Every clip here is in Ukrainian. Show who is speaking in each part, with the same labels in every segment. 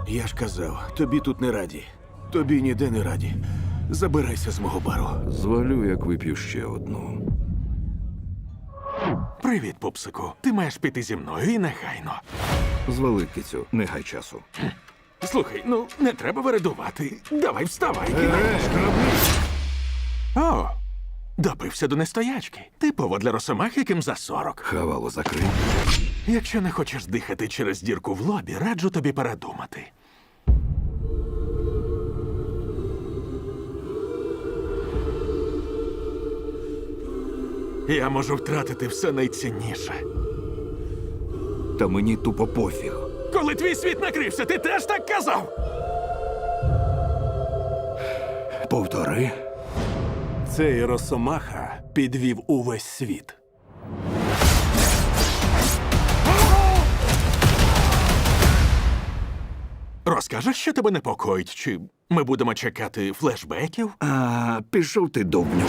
Speaker 1: Я ж казав, тобі тут не раді. Тобі ніде не раді. Забирайся з мого бару.
Speaker 2: Звалю, як вип'ю ще одну.
Speaker 3: Привіт, пупсику. Ти маєш піти зі мною і негайно.
Speaker 2: Звали, кицю, не гай часу.
Speaker 3: Слухай, ну не треба вередувати. Давай вставай. О, допився до нестоячки. Типово для росомах, яким за 40.
Speaker 2: Хавало закрий.
Speaker 3: Якщо не хочеш дихати через дірку в лобі, раджу тобі передумати. Я можу втратити все найцінніше.
Speaker 2: Та мені тупо пофіг.
Speaker 3: Коли твій світ накрився, ти теж так казав?
Speaker 2: Повтори.
Speaker 1: Цей Росомаха підвів увесь світ.
Speaker 3: Розкажеш, що тебе непокоїть? Чи ми будемо чекати флешбеків?
Speaker 2: А, пішов ти, довбню.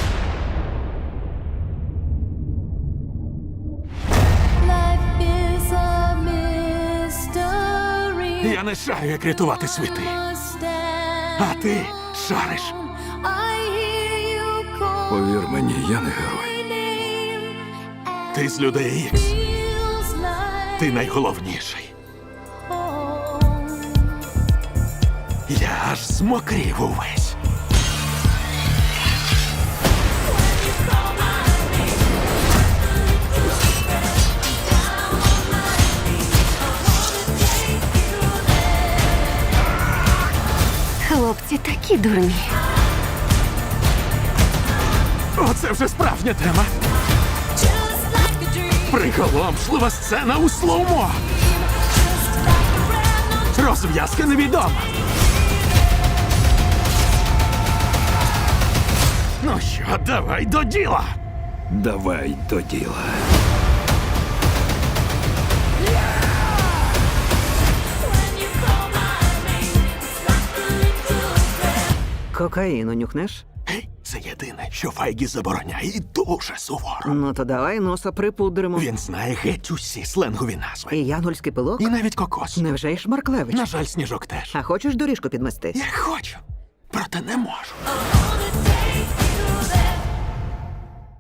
Speaker 4: Life is a mystery.
Speaker 3: Я не шарю, як рятувати світи. А ти шариш.
Speaker 4: I hear you call
Speaker 2: Повір мені, я не герой.
Speaker 4: my name, and
Speaker 3: Ти з людей Ікс.
Speaker 4: feels like
Speaker 3: Ти найголовніший.
Speaker 4: home.
Speaker 3: Я аж змокрів увесь.
Speaker 5: Хлопці такі дурні.
Speaker 3: Оце вже справжня тема.
Speaker 4: Just like a dream,
Speaker 3: Приголомшлива сцена у слоумо.
Speaker 4: just like a brand new
Speaker 3: Розв'язка невідома. Ну що, давай до діла.
Speaker 2: Давай до діла.
Speaker 4: when you call my name. It's like a little breath.
Speaker 6: Кокаїну нюхнеш?
Speaker 3: Гей, це єдине, що Файгі забороняє і дуже суворо.
Speaker 6: Ну то давай носа припудримо.
Speaker 3: Він знає геть усі сленгові назви.
Speaker 6: І янгольський пилок?
Speaker 3: І навіть кокос.
Speaker 6: Невже й Шмарклевич?
Speaker 3: На жаль, Сніжок теж.
Speaker 6: А хочеш доріжку підмести?
Speaker 3: Я хочу, проте не можу.
Speaker 4: All the